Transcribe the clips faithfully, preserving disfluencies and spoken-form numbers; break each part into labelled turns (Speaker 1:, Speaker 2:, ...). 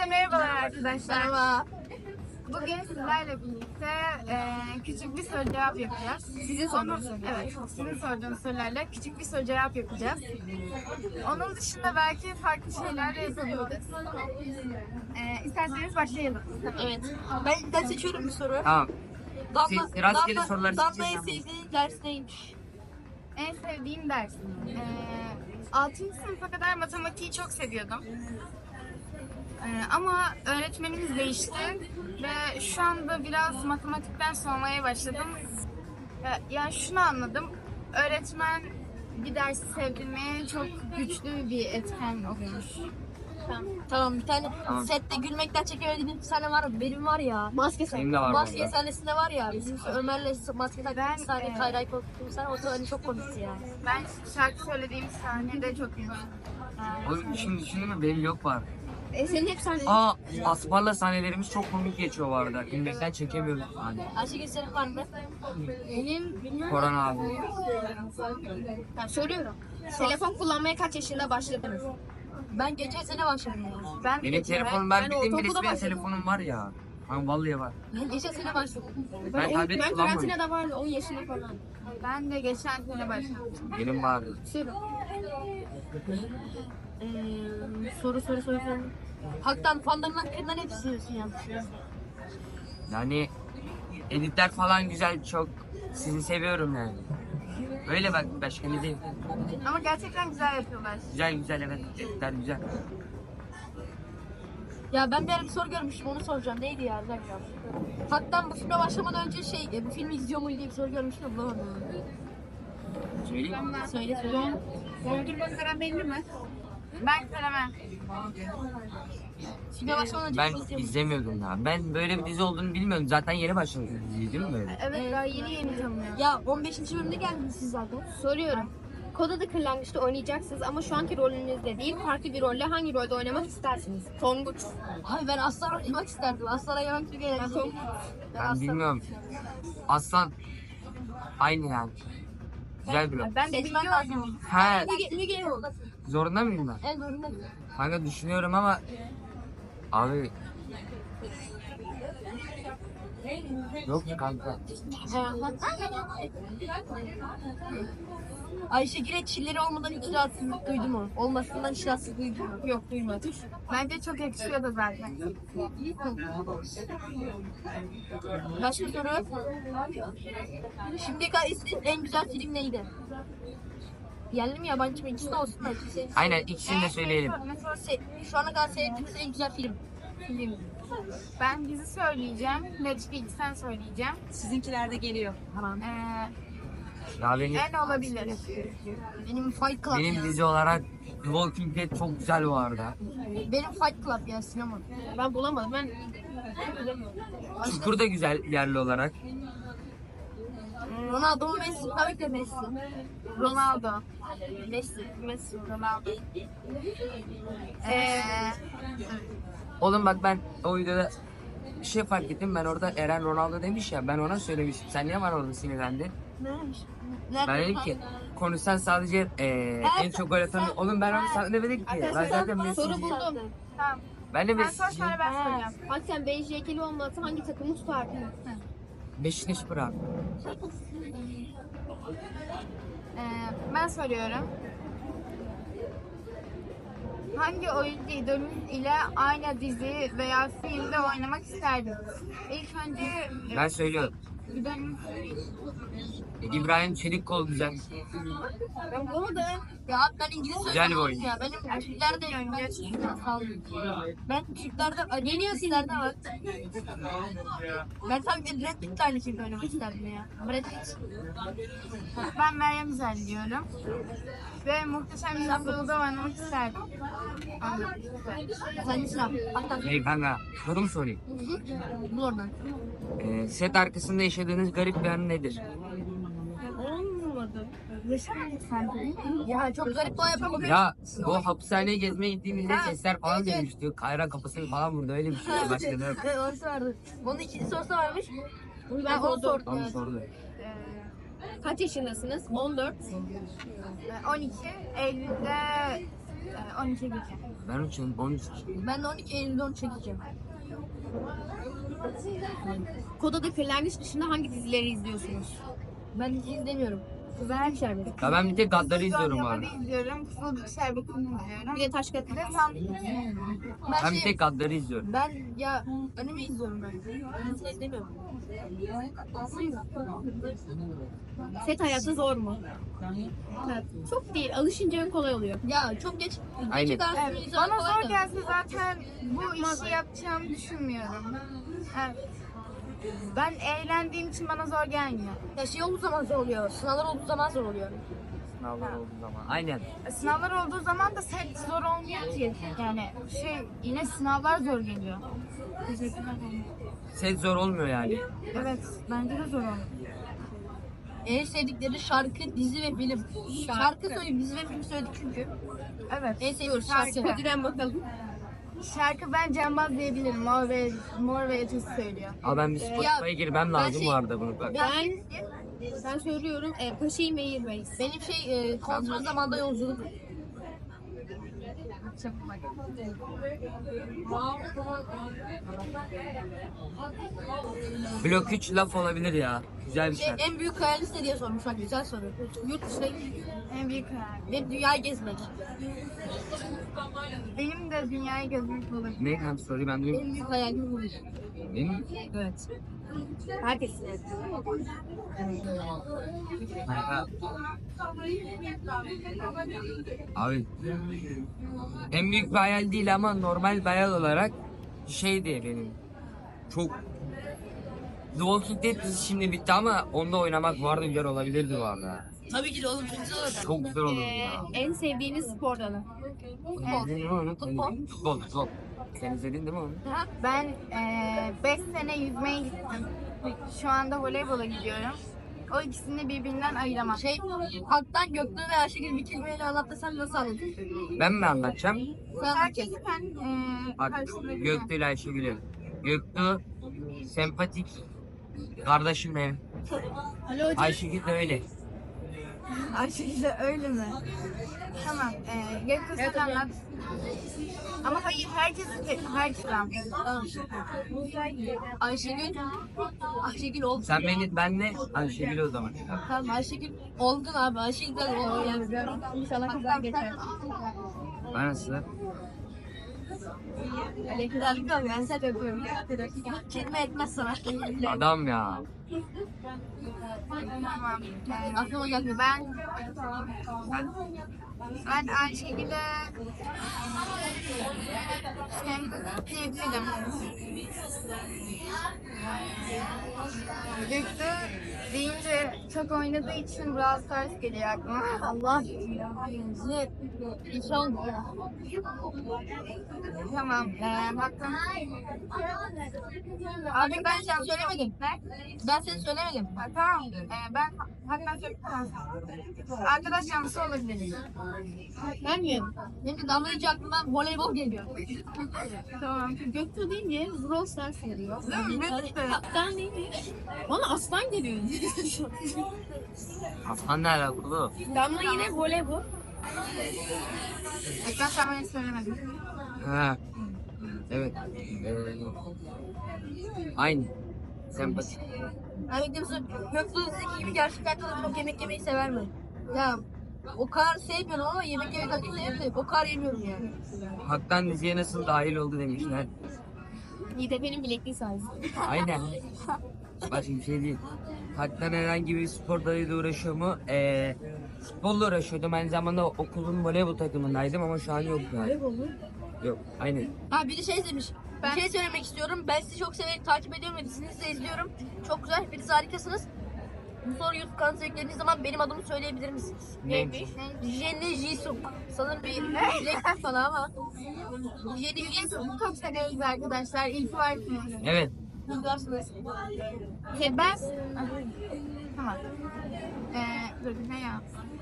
Speaker 1: Hepinize merhabalar arkadaşlar.
Speaker 2: Merhaba.
Speaker 1: Bugün sizlerle birlikte e, küçük bir soru cevap yapacağız. Sizin sorduğunuz Evet, sizin sorduğunuz sorularla küçük bir soru cevap yapacağız. Onun dışında belki farklı şeyler de yapabiliriz. E, isterseniz başlayalım.
Speaker 2: Evet. Ben, ben seçiyorum bir soru.
Speaker 3: Tamam.
Speaker 2: Damla,
Speaker 3: Siz rastgele
Speaker 2: Damla-
Speaker 3: soruları
Speaker 2: Damla'ya
Speaker 3: seçeceğiz
Speaker 2: sevdiğin ders neymiş?
Speaker 1: En sevdiğim ders. E, altıncı sınıfa kadar matematiği çok seviyordum. Ee, ama öğretmenimiz değişti ve şu anda biraz matematikten soğumaya başladım. Ya, yani şunu anladım, öğretmen bir dersi sevdirmeye çok güçlü bir etken oluyormuş.
Speaker 2: Tamam. Tamam bir tane
Speaker 3: Tamam.
Speaker 2: sette gülmekten çekemediğim bir sahne var. Benim var ya. Maske
Speaker 3: Benim de var
Speaker 2: Maske
Speaker 3: vallahi.
Speaker 2: sahnesinde var ya. Bizim Ömer'le maske
Speaker 1: Ben,
Speaker 2: taktığı sahne
Speaker 1: e,
Speaker 2: Kayra'yı korkuttuğum sahne. O sahne çok komikti ya.
Speaker 1: Ben şarkı söylediğim sahnede çok gülmüştüm.
Speaker 3: Oğlum şimdi düşündün mü benim yok var.
Speaker 2: E, senin hep sahne.
Speaker 3: Aa Aspar'la sahnelerimiz çok komik geçiyor bu arada. Gülmekten çekemiyoruz hani.
Speaker 2: Ayşegül senin var mı? Benim bilmiyorum.
Speaker 3: Koran abi.
Speaker 2: Ben söylüyorum. Telefon kullanmaya kaç yaşında başladınız? Ben geçen sene başladım. ya.
Speaker 1: Ben
Speaker 3: Benim telefonum ben bildiğim
Speaker 2: ortaokulda
Speaker 3: birisi benim
Speaker 2: başladım.
Speaker 3: telefonum var ya. Ben vallahi var.
Speaker 2: Ben geçen sene başladım.
Speaker 3: Ben
Speaker 2: on-
Speaker 3: tablet
Speaker 2: ben
Speaker 3: kullanmıyorum.
Speaker 2: karantinada vardı on yaşında falan.
Speaker 1: ben de geçen sene başladım.
Speaker 3: Benim vardı.
Speaker 2: Söyle. Ee, soru soru soru soru. Haktan fanların hakkında ne düşünüyorsun ya?
Speaker 3: Yani editler falan güzel çok. Sizi seviyorum yani. Öyle bak başka ne diyeyim.
Speaker 1: Ama gerçekten güzel yapıyorlar.
Speaker 3: Güzel güzel evet. Editler güzel.
Speaker 2: Ya ben bir ara bir soru görmüştüm onu soracağım. Neydi ya? Bir dakika. Haktan bu filme başlamadan önce şey, e, bu filmi izliyor muydu diye bir soru görmüştüm. Bulamadım.
Speaker 3: Söyleyeyim mi?
Speaker 2: Söyle söyle.
Speaker 1: Dondurma karamelli mi? Ben karamel.
Speaker 2: Filme başlamadan önce
Speaker 3: Ben
Speaker 2: bir şey izliyor muydun?
Speaker 3: izlemiyordum ya. Ben böyle bir dizi olduğunu bilmiyordum. Zaten yeni başladı dizi değil mi böyle?
Speaker 1: Evet, daha yeni yeni tanımıyorum.
Speaker 2: Ya on beşinci bölümde geldiniz siz zaten.
Speaker 4: Soruyorum. Kod adı kırlangıçta oynayacaksınız ama şu anki rolünüzde değil, farklı bir rolle hangi rolde oynamak istersiniz?
Speaker 2: Tonguç. Ay ben aslan oynamak isterdim. Aslan oynamak çok eğlenceli.
Speaker 3: Ben bilmiyorum. Aslan aynı yani. Güzel bir rol.
Speaker 1: Ben de
Speaker 2: Seçmen
Speaker 1: biliyorum.
Speaker 2: lazım.
Speaker 3: He,
Speaker 2: Müge, Müge olmasın.
Speaker 3: zorunda mıyım ben?
Speaker 2: En zorunda.
Speaker 3: Kanka düşünüyorum ama abi yok kanka.
Speaker 2: Ayşegül'e çilleri olmadan hiç rahatsızlık duydun mu? Olmasından hiç rahatsızlık duydun mu?
Speaker 1: Yok, duymadım. Bence çok yakışıyor da zaten.
Speaker 2: Başka soru? Şimdiye kadar izlediğin en güzel film neydi? Yerli mi yabancı mı? İkisi de olsun da. ikisi-
Speaker 3: Aynen ikisini de söyleyelim.
Speaker 2: Se- Şu ana kadar seyrettiğiniz en güzel film. Film.
Speaker 1: Ben dizi söyleyeceğim. Netflix'ten söyleyeceğim.
Speaker 5: Sizinkiler de geliyor. Tamam.
Speaker 1: Ee,
Speaker 3: Ya benim,
Speaker 1: en olabilir.
Speaker 2: Benim Fight Club
Speaker 3: benim
Speaker 2: ya.
Speaker 3: dizi olarak The Walking Dead çok güzel bu arada.
Speaker 2: Benim Fight Club ya sinema.
Speaker 4: Ben bulamadım. Ben
Speaker 3: Çukur da güzel yerli olarak.
Speaker 2: Ronaldo mu Messi? Tabii ki de Messi.
Speaker 1: Ronaldo.
Speaker 2: Messi.
Speaker 1: Messi, Ronaldo. Ee,
Speaker 3: Oğlum bak ben o videoda bir şey fark ettim. Ben orada Eren Ronaldo demiş ya. Ben ona söylemiştim. Sen niye bana orada sinirlendin?
Speaker 2: Neymiş?
Speaker 3: Ben dedim ki konuşsan sadece eee en çok gol atan... Oğlum ben onu sana demedim ki. Ben zaten
Speaker 4: soru
Speaker 3: Messi'ciyim.
Speaker 4: buldum.
Speaker 1: tamam.
Speaker 3: Ben de
Speaker 1: Sen sor,
Speaker 3: Messi'ciyim.
Speaker 1: sonra ben soracağım.
Speaker 4: Bak sen B J K'li olmasa hangi takımı tutardın?
Speaker 3: Beşiktaş bırak.
Speaker 1: Ee, ben soruyorum. Hangi oyuncu idolünüz ile aynı dizi veya filmde oynamak isterdiniz? İlk önce
Speaker 3: Ben söylüyorum.
Speaker 1: idolünüz
Speaker 3: İbrahim Çelikkol güzel.
Speaker 2: Ben bulamadım. Ya ben İngiliz
Speaker 3: Güzel bir
Speaker 2: söylüyorum
Speaker 3: oyun.
Speaker 2: ya. Benim Türkler de oynuyor. Ben Türklerde, yeni Türklerde var. Ben tabii ki Brad Pitt'le aynı filmde oynamak isterdim ya. Brad Pitt.
Speaker 1: Ben Meryem Üzer diyorum. Ve Muhteşem Yüzyılda oynamak isterdim.
Speaker 2: Sen sıra. Hatta
Speaker 3: Hey kanka soru mu sorayım?
Speaker 2: bul oradan.
Speaker 3: Eee set arkasında yaşadığınız garip bir an nedir?
Speaker 4: Olmadı.
Speaker 2: Ya çok garip doğa yapamam.
Speaker 3: Ya bu hapishaneye gezmeye gittiğimizde sesler falan dönmüştü. Kayra kapısını falan vurdu öyle bir şey. Başladı.
Speaker 2: Evet, orası vardı. Onun ikinci sorusu varmış. Ben onu sordum.
Speaker 3: Onu
Speaker 2: Evet.
Speaker 3: sordu.
Speaker 4: Kaç yaşındasınız? on dört.
Speaker 1: on iki Eylül'de Ee, on iki geçe.
Speaker 3: Ben üçün on üç.
Speaker 2: Ben de on iki Eylül'de onu çekeceğim.
Speaker 4: Kod adı Kırlangıç dışında hangi dizileri izliyorsunuz?
Speaker 2: Ben dizi izlemiyorum.
Speaker 4: Kızlar Şerbeti.
Speaker 3: Ya ben bir tek Gaddar'ı izliyorum bu arada.
Speaker 1: Dondurma'da izliyorum. Kızılcık Şerbeti'ni izliyorum.
Speaker 4: Bir de Taş Köprü.
Speaker 1: Bir de san...
Speaker 2: Ben,
Speaker 3: Ben bir
Speaker 2: şey,
Speaker 3: tek Gaddar'ı izliyorum.
Speaker 2: ben ya anime izliyorum ben. Dizi izlemiyorum.
Speaker 4: Set hayatı zor mu? Evet. Çok değil. Alışınca kolay oluyor.
Speaker 2: Ya çok geç.
Speaker 3: Aynen.
Speaker 2: Geç çıkarsın.
Speaker 1: Evet,
Speaker 2: izlemek
Speaker 1: bana
Speaker 2: kolay
Speaker 1: zor
Speaker 2: da.
Speaker 1: gelse zaten bu işi yapacağımı düşünmüyorum. Evet. Ben eğlendiğim için bana zor gelmiyor.
Speaker 2: Ya şey olduğu zaman zor oluyor. Sınavlar olduğu zaman zor oluyor.
Speaker 3: Sınavlar olduğu zaman. Aynen.
Speaker 1: Sınavlar olduğu zaman da set zor olmuyor ki. Yani şey yine sınavlar zor geliyor. Teşekkürler.
Speaker 3: Set zor olmuyor yani.
Speaker 1: Evet, bence de zor olmuyor.
Speaker 2: En sevdikleri şarkı, dizi ve film. Şarkı söyleyeyim, dizi ve film söyledik çünkü.
Speaker 1: Evet.
Speaker 2: En seviyoruz
Speaker 1: Şarkı.
Speaker 2: şarkı.
Speaker 4: Hadi bakalım.
Speaker 1: Şarkı ben Cembaz diyebilirim. Mor ve Mor ve Ötesi söylüyor.
Speaker 3: Ama ben bir Spotify'a girmem lazım
Speaker 2: şey-
Speaker 3: bu arada bunu. Bak.
Speaker 2: Ben,
Speaker 4: Ben söylüyorum. E, Paşa'yı Meyir Reis.
Speaker 2: benim şey e, kontrol zamanda yolculuk.
Speaker 3: Blok üç laf olabilir ya. Güzel bir
Speaker 2: Şey,
Speaker 3: şarkı.
Speaker 2: en büyük hayaliniz ne diye sormuş. Bak güzel soru. Yurt dışına gitmek
Speaker 1: En büyük hayal.
Speaker 2: ve dünyayı gezmek.
Speaker 1: Benim de dünyayı gezmek olur.
Speaker 3: Ne hem soruyu ben duyayım.
Speaker 2: En büyük hayalim bu.
Speaker 3: Benim
Speaker 2: Evet.
Speaker 4: Herkes.
Speaker 3: Abi en büyük bir hayal değil ama normal bir hayal olarak şeydi benim. Çok The Walking Dead dizisi şimdi bitti ama onda oynamak vardı, güzel olabilirdi bu arada.
Speaker 2: Tabii ki de oğlum çok güzel olacak.
Speaker 3: Çok güzel olurdu
Speaker 4: E,
Speaker 3: ya.
Speaker 4: en sevdiğiniz spor dalı.
Speaker 3: İzledin mi onu?
Speaker 2: Futbol.
Speaker 3: Futbol, futbol. Sen izledin değil mi onu?
Speaker 1: Ben beş sene yüzmeye gittim. Şu anda voleybola gidiyorum. O ikisini birbirinden ayıramam.
Speaker 2: Şey, Hak'tan Göktuğ ve Ayşegül bir kelimeyle anlatırsan nasıl anlatır?
Speaker 3: Ben mi anlatacağım?
Speaker 2: Sen
Speaker 1: Herkes
Speaker 2: anlatacaksın.
Speaker 1: sen e,
Speaker 3: Bak
Speaker 1: karşılayabilir.
Speaker 3: Göktuğ ile Ayşegül'ü. Göktuğ sempatik kardeşim benim.
Speaker 4: Alo hocam.
Speaker 3: Ayşegül de öyle.
Speaker 1: Ayşegül de öyle mi? Tamam. E, Göktuğ sen anlat. Ama hayır herkes herkes anlat.
Speaker 2: Tamam. Ayşegül, Ayşegül oldu.
Speaker 3: Sen beni, benle Ayşegül o zaman.
Speaker 2: Tamam Ayşegül olgun abi. Ayşegül de olgun yani.
Speaker 4: İnşallah güzel geçer.
Speaker 3: Ben nasıl?
Speaker 2: Güzellik var. Ben sen öpüyorum. Kelime etmez sana.
Speaker 3: Adam ya.
Speaker 1: Tamam. E,
Speaker 2: Aklıma gelmiyor.
Speaker 1: ben ben ben Ayşegül'e diyebilirim. Göktuğ deyince çok oynadığı için Brawl Stars geliyor aklıma.
Speaker 2: Allah. Bizi inşallah.
Speaker 1: Tamam. Ee, baktım.
Speaker 2: Abi ben seni söylemedim. Ben seni söylemedim.
Speaker 1: Ha, tamam. Ee, ben hatta söyleyeyim. Arkadaş yanlısı olabilir.
Speaker 4: Ben miyim?
Speaker 2: Benim de damlayınca aklıma voleybol geliyor.
Speaker 1: Tamam.
Speaker 4: Göktuğ deyince Brawl Stars geliyor.
Speaker 1: Değil mi? Bitti.
Speaker 4: Aslan değil mi? Bana aslan geliyor.
Speaker 3: Aslan ne alakalı?
Speaker 4: Damla yine voleybol.
Speaker 1: Ekran sen bana hiç söylemedin.
Speaker 3: Ha. Evet. Ee, aynı. Sempatik.
Speaker 2: Hani diyorsun Göktuğ Zeki gibi gerçekten de çok yemek yemeyi sever mi? Ya o kadar sevmiyorum ama yemek yemek hakkında seviyorum. O kadar yemiyorum yani.
Speaker 3: Hak'tan diziye nasıl dahil oldu demişler.
Speaker 4: İTP'nin bilekliği sayesinde.
Speaker 3: Aynen. Başka bir şey değil. Hak'tan herhangi bir spor dalıyla uğraşıyor mu? Ee, futbolla uğraşıyordum. Aynı zamanda okulun voleybol takımındaydım ama şu an yok yani.
Speaker 4: Voleybol mu?
Speaker 3: Yok. Aynen.
Speaker 2: Ha biri şey demiş. Bir şey söylemek istiyorum. Ben sizi çok severek takip ediyorum ve dizinizi de izliyorum. Çok güzel. Hepiniz harikasınız. Bu soru YouTube kanalına yüklediğiniz zaman benim adımı söyleyebilir misiniz?
Speaker 3: Neymiş?
Speaker 2: Jenny Jisung. Sanırım bir bileklik bana ama. Jenny Jisung.
Speaker 1: Çok severiz arkadaşlar. İyi ki varsınız.
Speaker 3: Evet.
Speaker 2: Kızlarsınız.
Speaker 1: Şey, ben... Tamam. Ee, dur ne ya?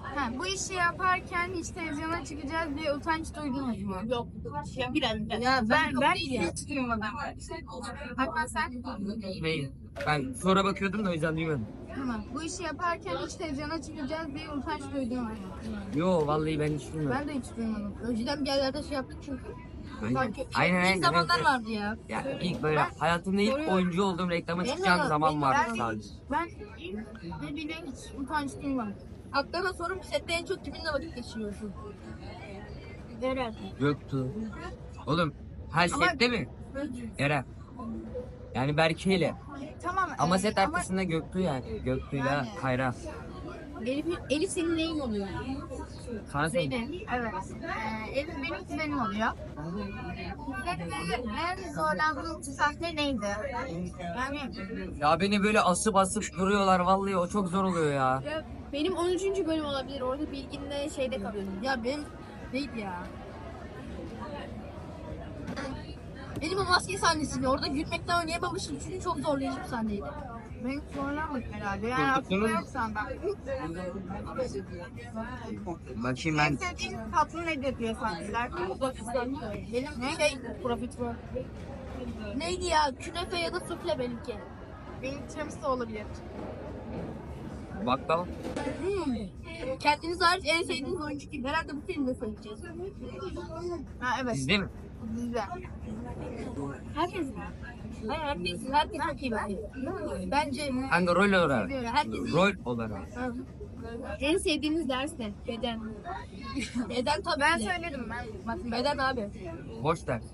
Speaker 1: Ha, bu işi yaparken hiç televizyona çıkacağız diye utanç duydunuz mu?
Speaker 2: Yok. Ya biraz.
Speaker 1: Ya ben
Speaker 2: Yok
Speaker 1: ben
Speaker 2: değil ya.
Speaker 1: hiç duymadım. Hatta sen
Speaker 3: Neyi? Ben sonra bakıyordum da o yüzden duymadım.
Speaker 1: tamam. Bu işi yaparken hiç televizyona çıkacağız diye utanç duydun mu?
Speaker 3: Yo vallahi ben hiç duymadım.
Speaker 1: Ben de hiç duymadım.
Speaker 2: Önceden bir yerlerde şey yaptık çünkü.
Speaker 3: Aynen
Speaker 2: Sanki
Speaker 3: aynen.
Speaker 2: ilk
Speaker 3: aynen.
Speaker 2: zamanlar
Speaker 3: Evet.
Speaker 2: vardı ya.
Speaker 3: Ya ilk böyle hayatımda ilk oyuncu olduğum reklama çıkacağım zaman vardı sadece.
Speaker 1: Ben ne bileyim hiç utanç duymadım.
Speaker 2: Hatta sorum sette en çok kiminle vakit geçiriyorsun? Eren.
Speaker 3: Göktuğ. Oğlum her
Speaker 1: Ama-
Speaker 3: sette mi? Eren. Yani Berke ile.
Speaker 1: Tamam.
Speaker 3: Ama
Speaker 1: e,
Speaker 3: set
Speaker 1: ama
Speaker 3: arkasında Göktuğ yani. Göktuğ'yla Kayra.
Speaker 4: Elif, Elif senin neyin oluyor?
Speaker 3: Sana söyle.
Speaker 1: Zeynep, evet. Ee, Elif benim kuzenim oluyor. Sette en zorlandığım sahne neydi? Yani
Speaker 3: Ya beni böyle asıp asıp duruyorlar vallahi o çok zor oluyor ya.
Speaker 4: Ya benim on üçüncü bölüm olabilir. Orada Bilgin'le şeyde kalıyordum.
Speaker 2: Ya benim neydi ya? Benim o maske sahnesiydi. Orada gülmekten oynayamamışım çünkü çok zorlayıcı bir sahneydi.
Speaker 1: ben zorlanmadım herhalde. Yani aklımda yok senden.
Speaker 3: Bakayım
Speaker 1: En
Speaker 3: ben.
Speaker 1: sevdiğin tatlı nedir diye sahneler.
Speaker 2: Benim şey profiterol. Neydi ya? Künefe ya da sufle benimki.
Speaker 1: Benim tiramisu olabilir.
Speaker 3: Baklava.
Speaker 2: Hmm. Kendiniz hariç en sevdiğiniz oyuncu kim? Herhalde bu filmde söyleyeceğiz.
Speaker 1: Ha evet.
Speaker 3: Sizde mi?
Speaker 1: Bizde.
Speaker 2: Herkes mi? Hayır herkes, herkes çok iyi bence. Bence
Speaker 3: Hangi rol olarak?
Speaker 2: herkes iyi.
Speaker 3: Rol olarak.
Speaker 4: En sevdiğiniz ders ne? Beden.
Speaker 2: Beden tabii.
Speaker 1: Ben
Speaker 2: ki.
Speaker 1: söyledim ben. Matematik.
Speaker 2: Beden abi.
Speaker 3: Boş ders.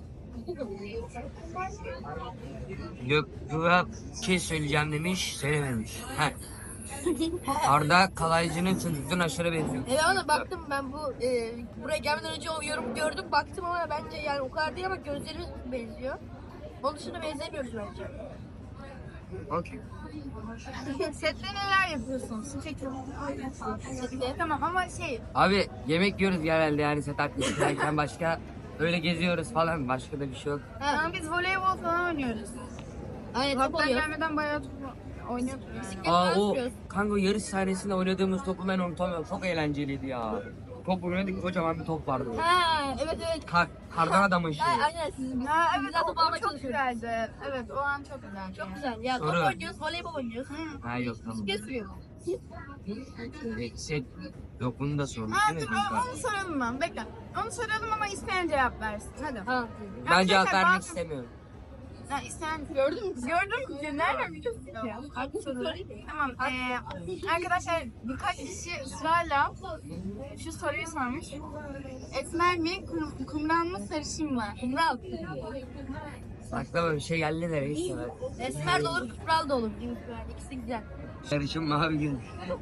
Speaker 3: Göktuğ'a bir şey söyleyeceğim demiş, söylememiş. Heh. Arda Kalaycı'nın çocukluğuna aşırı benziyor.
Speaker 2: Evet ama baktım ben bu e, buraya gelmeden önce o yorum gördüm baktım ama bence yani o kadar değil ama gözlerimiz benziyor. Onun dışında benzemiyoruz bence.
Speaker 3: Okey.
Speaker 1: Sette neler yapıyorsunuz? Sette. Tamam ama şey
Speaker 3: Abi yemek yiyoruz genelde yani set arkasındayken başka öyle geziyoruz falan başka da bir şey yok.
Speaker 1: ama biz voleybol falan oynuyoruz.
Speaker 2: Aynen top
Speaker 1: Hatta
Speaker 2: oluyor.
Speaker 1: gelmeden bayağı top oynuyorduk. Yani.
Speaker 3: Aa o kanka yarış sahnesinde oynadığımız topu ben unutamıyorum. Çok eğlenceliydi ya. Top oynadık kocaman bir top vardı.
Speaker 2: Ha evet evet.
Speaker 3: Kar, kardan adamın şeyi.
Speaker 2: Ha, aynen sizin.
Speaker 1: Ha evet
Speaker 2: Güzel
Speaker 1: o,
Speaker 2: top
Speaker 1: o
Speaker 2: almaya
Speaker 1: çok
Speaker 2: çalışıyoruz.
Speaker 1: güzeldi. Evet o an çok güzeldi.
Speaker 2: Çok güzel. Ya top
Speaker 3: Soru.
Speaker 2: oynuyoruz, voleybol oynuyoruz.
Speaker 3: Ha yok tamam.
Speaker 2: Bisiklet sürüyoruz.
Speaker 3: E, Set yok bunu da sorduk
Speaker 1: Ha
Speaker 3: değil mi
Speaker 1: dur
Speaker 3: kanka?
Speaker 1: onu soralım ben. Bekle. Onu soralım ama isteyen cevap versin. Hadi.
Speaker 2: Ha.
Speaker 3: Ben cevap
Speaker 1: Arkadaşlar,
Speaker 3: vermek
Speaker 1: bazı-
Speaker 3: istemiyorum.
Speaker 1: Ha, isteyen gördün mü? Gördün mü? Nereden biliyorsun ya?
Speaker 2: Hangi soru?
Speaker 1: Tamam. eee, arkadaşlar birkaç kişi ısrarla şu soruyu sormuş. Esmer mi, kum, kumral mı, sarışın mı?
Speaker 2: Kumral.
Speaker 3: Aklıma bir şey geldi de neyse.
Speaker 2: Esmer de olur, kumral da olur. İkisi güzel.
Speaker 3: Sarışın mavi gün.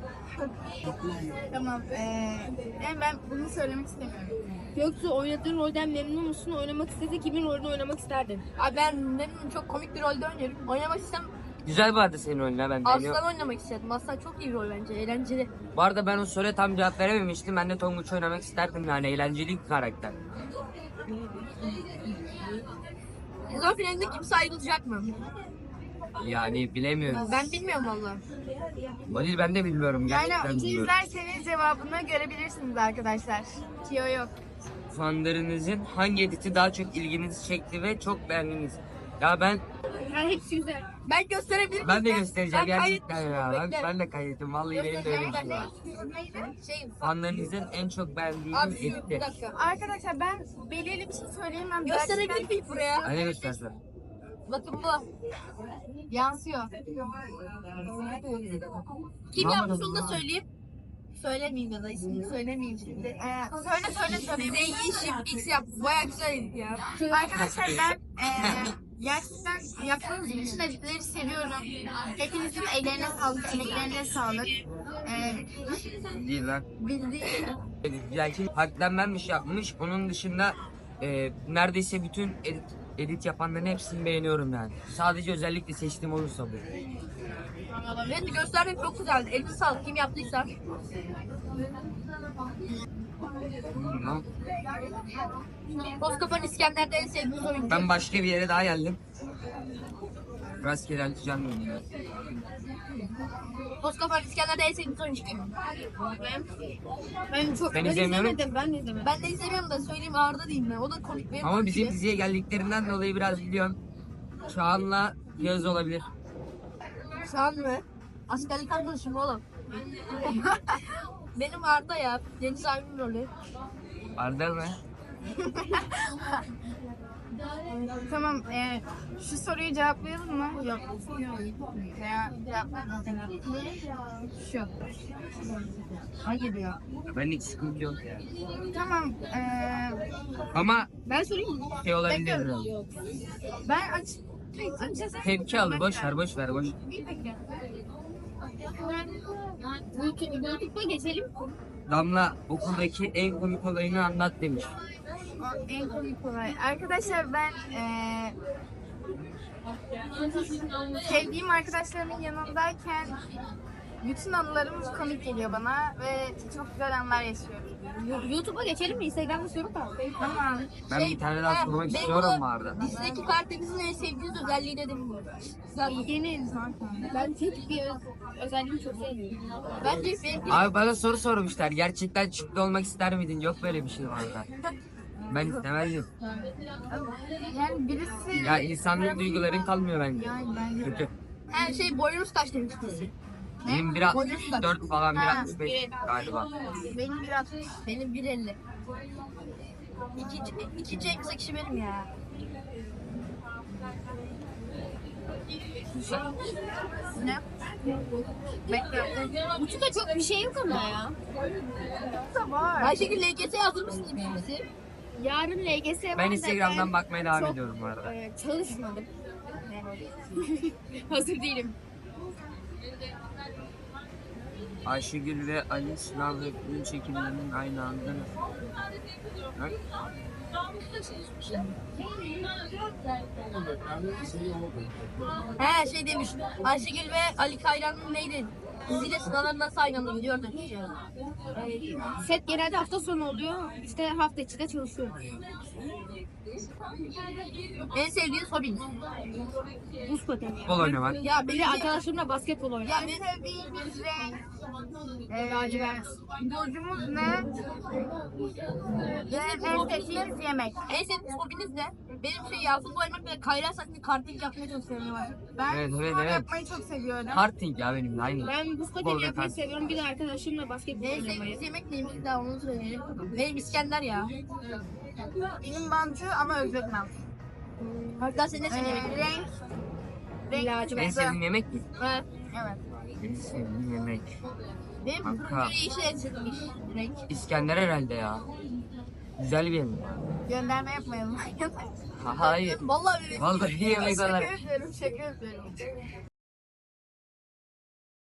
Speaker 1: Tamam. Eee yani ben bunu söylemek istemiyorum.
Speaker 4: Göksu oynadığın rolden memnun musun? Oynamak istese kimin rolünü oynamak isterdin?
Speaker 2: Abi ben memnunum çok komik bir rolde oynuyorum. Oynamak istem
Speaker 3: Güzel vardı senin oyununa ben beğeniyorum.
Speaker 2: Aslan oynamak istedim. Aslan çok iyi bir rol bence. Eğlenceli.
Speaker 3: Bu arada ben o soruya tam cevap verememiştim. Ben de Tonguç oynamak isterdim yani eğlenceli bir karakter.
Speaker 2: Sezon finalinde kimse ayrılacak mı?
Speaker 3: Yani bilemiyorum.
Speaker 2: Ben bilmiyorum valla.
Speaker 3: Halil ben de bilmiyorum
Speaker 1: Yani
Speaker 3: gerçekten
Speaker 1: iki
Speaker 3: bilmiyorum.
Speaker 1: izlerseniz cevabını görebilirsiniz arkadaşlar. Tiyo yok.
Speaker 3: Fanlarınızın hangi editi daha çok ilginizi çekti ve çok beğendiniz? Ya ben
Speaker 4: Yani hepsi güzel.
Speaker 2: Ben gösterebilirim.
Speaker 3: ben de göstereceğim
Speaker 2: Ben
Speaker 3: gerçekten
Speaker 2: kaydetmişim,
Speaker 3: ya. Ben,
Speaker 2: bekle.
Speaker 3: ben de kaydettim. Vallahi benim de öyle bir şey var.
Speaker 2: Şey,
Speaker 3: Fanlarınızın en çok beğendiğiniz
Speaker 2: abi bir
Speaker 3: editi.
Speaker 2: dakika.
Speaker 1: Arkadaşlar ben belirli bir şey söyleyemem.
Speaker 2: Gösterebilir miyim buraya?
Speaker 3: Hani göstersen.
Speaker 2: Bakın bu.
Speaker 1: Yansıyor.
Speaker 2: Kim yapmış onu da söyleyeyim. Söylemeyeyim ya da ismini söylemeyeyim şimdi.
Speaker 1: Ee, söyle söyle söyleyeyim.
Speaker 2: Değişim X yaptı. Baya güzeldi ya.
Speaker 1: Arkadaşlar ben eee gerçekten yaptığınız bütün editleri seviyorum. Hepinizin ellerine sağlık, emeklerine sağlık. Eee
Speaker 3: Değil lan.
Speaker 1: bildiğim
Speaker 3: Yani haklenmemiş yapmış. Onun dışında e, neredeyse bütün edit, edit yapanların hepsini beğeniyorum yani. Sadece özellikle seçtiğim olursa bu.
Speaker 2: Ben de göstermek çok güzeldi. Elini sağlık kim yaptıysa.
Speaker 3: Tamam.
Speaker 2: Bozkapa'nın İskender'de en sevdiğimiz oyuncu.
Speaker 3: Ben başka bir yere daha geldim. Rastgele açacağım bunu.
Speaker 2: Toskafer İskender'de en sevdiğim oyuncu kim?
Speaker 4: Ben çok
Speaker 3: Ben
Speaker 4: ben
Speaker 3: izlemiyorum.
Speaker 4: izlemedim. Ben de izlemedim.
Speaker 2: Ben de izlemiyorum da söyleyeyim Arda diyeyim ben. O da komik benim.
Speaker 3: Ama bizim diziye geldiklerinden dolayı biraz biliyorum. Çağan'la Yağız olabilir.
Speaker 2: Şu an mı? Askerlik arkadaşım oğlum. Benim Arda ya. Deniz abinin rolü.
Speaker 3: Arda mı?
Speaker 1: Tamam, e, şu soruyu cevaplayalım mı? Yok. Veya cevaplayalım. Şu. Hayır ya.
Speaker 3: Ben hiç sıkıntı yok ya.
Speaker 1: Tamam, e,
Speaker 3: Ama
Speaker 4: Ben sorayım mı?
Speaker 3: şey olabilir. biraz.
Speaker 1: ben aç... Açacağız.
Speaker 3: Tepki al. Boş ver boş ver boş.
Speaker 4: YouTube, YouTube'a geçelim.
Speaker 3: Damla okuldaki en komik olayını anlat demiş.
Speaker 1: O en komik olay. Arkadaşlar ben eee sevdiğim arkadaşlarımın yanındayken bütün anılarım komik geliyor bana ve çok güzel anlar yaşıyorum.
Speaker 4: YouTube'a geçelim mi? Instagram'da soru da.
Speaker 1: Tamam.
Speaker 3: Ben bir tane daha
Speaker 2: ha,
Speaker 3: sormak
Speaker 2: benim
Speaker 3: istiyorum
Speaker 2: bu
Speaker 3: Arda.
Speaker 2: Dizideki Karadeniz'in en sevdiğiniz özelliği ne dedim bu?
Speaker 4: Yeni zaten. Ben tek bir öz, özelliğimi çok sevmiyorum.
Speaker 2: Bence benim
Speaker 3: Abi bana soru sormuşlar. Gerçekten çıktı olmak ister miydin? Yok böyle bir şey Arda. Ben istemezdim.
Speaker 1: Yani birisi
Speaker 3: Ya insanların duyguların kalmıyor bence.
Speaker 1: yani bence
Speaker 3: Kötü.
Speaker 2: her şey boyunuz kaç demiştiniz?
Speaker 3: Benim bir altmış dört falan bir altmış beş galiba.
Speaker 1: benim biraz
Speaker 2: Benim bir elli. İkinci, ikinci en kısa kişi benim ya.
Speaker 1: ne? Bekle.
Speaker 4: YouTube'da çok bir şey yok ama ya.
Speaker 1: Da var.
Speaker 2: Ayşegül L G S'ye hazır mısınız birisi?
Speaker 4: Yarın L G S var
Speaker 3: Ben
Speaker 4: da
Speaker 3: Instagram'dan bakmaya devam
Speaker 4: çok,
Speaker 3: ediyorum bu arada.
Speaker 4: e, çalışmadım. Hazır değilim.
Speaker 3: Ayşegül ve Ali sınav ve film çekimlerinin aynı anda Ha?
Speaker 2: He şey demiş. Ayşegül ve Ali Kayran'ın neydi? Diziyle sınavlar nasıl aynı anda gidiyor demiş.
Speaker 4: E, set genelde hafta sonu oluyor. İşte hafta içi de çalışıyorum.
Speaker 2: En sevdiğiniz hobiniz?
Speaker 4: Buz pateni.
Speaker 3: Futbol oynamak.
Speaker 2: Ya
Speaker 4: Bir
Speaker 2: benim
Speaker 4: de arkadaşlarımla basketbol
Speaker 2: ya
Speaker 4: oynuyorum.
Speaker 2: benim
Speaker 1: Sevdiğimiz renk eee lacivert. Burcumuz ne? Ve en sevdiğimiz yemek.
Speaker 2: en sevdiğiniz hobiniz ne? Benim şey ya futbol oynamak ve Kayran saatinde karting yapmayı çok seviyorum.
Speaker 1: Ben
Speaker 3: Evet,
Speaker 1: spor
Speaker 3: evet, evet.
Speaker 1: yapmayı çok seviyorum.
Speaker 3: Karting ya benim de aynı.
Speaker 4: Ben buz pateni
Speaker 3: Futbolda
Speaker 4: yapmayı
Speaker 3: karting.
Speaker 4: seviyorum. Bir de arkadaşlarımla basketbol
Speaker 2: En
Speaker 4: oynamayı.
Speaker 2: sevdiğiniz yemek neymiş daha onu söyleyelim. Benim İskender ya.
Speaker 1: Benim bantı ama özletmem.
Speaker 2: Hatta senin ne
Speaker 1: Eee
Speaker 2: sevdiğin yemek?
Speaker 1: renk. Renk.
Speaker 4: Lacivert.
Speaker 3: En sevdiğin yemek mi?
Speaker 2: Evet.
Speaker 1: Evet.
Speaker 3: En sevdiğim yemek.
Speaker 2: Benim
Speaker 3: Kanka.
Speaker 2: turuncu yeşil en sevdiğim iş. Renk.
Speaker 3: İskender herhalde ya. Güzel bir yemek.
Speaker 1: Gönderme yapmayalım.
Speaker 3: Ha, hayır.
Speaker 2: Vallahi bir
Speaker 3: Vallahi yemek
Speaker 1: Şaka
Speaker 3: olarak.
Speaker 1: yapıyorum, şaka yapıyorum.